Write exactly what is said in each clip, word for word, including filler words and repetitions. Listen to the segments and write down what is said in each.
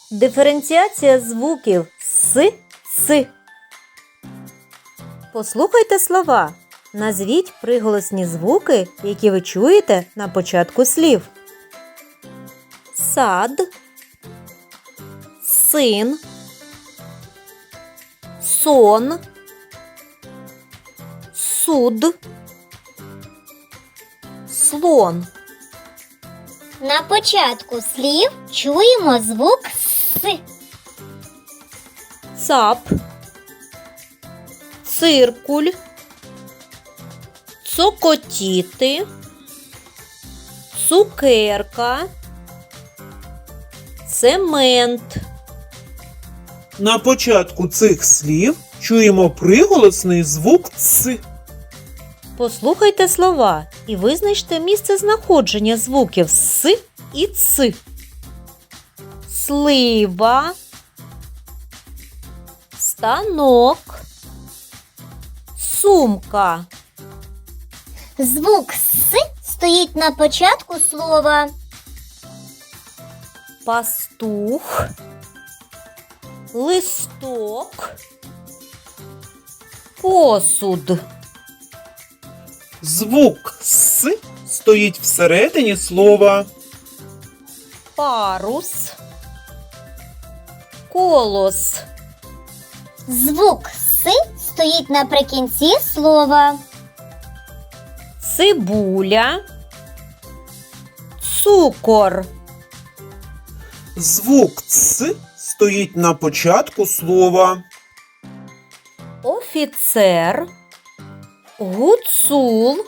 Диференціація звуків с, ц. Послухайте слова. Назвіть приголосні звуки, які ви чуєте на початку слів. Сад, син, сон, суд, слон. На початку слів чуємо звук С. Цап, циркуль, цокотіти, цукерка, цемент. На початку цих слів чуємо приголосний звук «ц». Послухайте слова і визначте місце знаходження звуків «с» і «ц». Слива, станок, сумка. Звук С стоїть на початку слова. Пастух, листок, посуд. Звук «с» стоїть всередині слова. Парус, колос. Звук С стоїть наприкінці слова. Цибуля, цукор. Звук «ц» стоїть на початку слова. Офіцер, гуцул,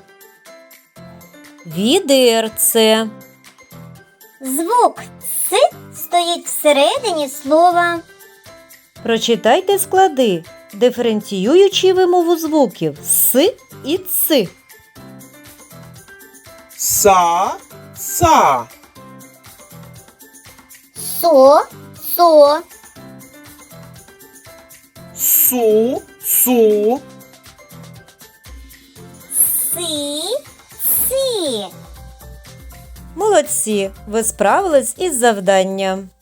відерце. Звук С стоїть всередині слова. Прочитайте склади, диференціюючи вимову звуків «с» і «ц». Са, са. Со, со. Су, су. Си, си. Молодці! Ви справились із завданням.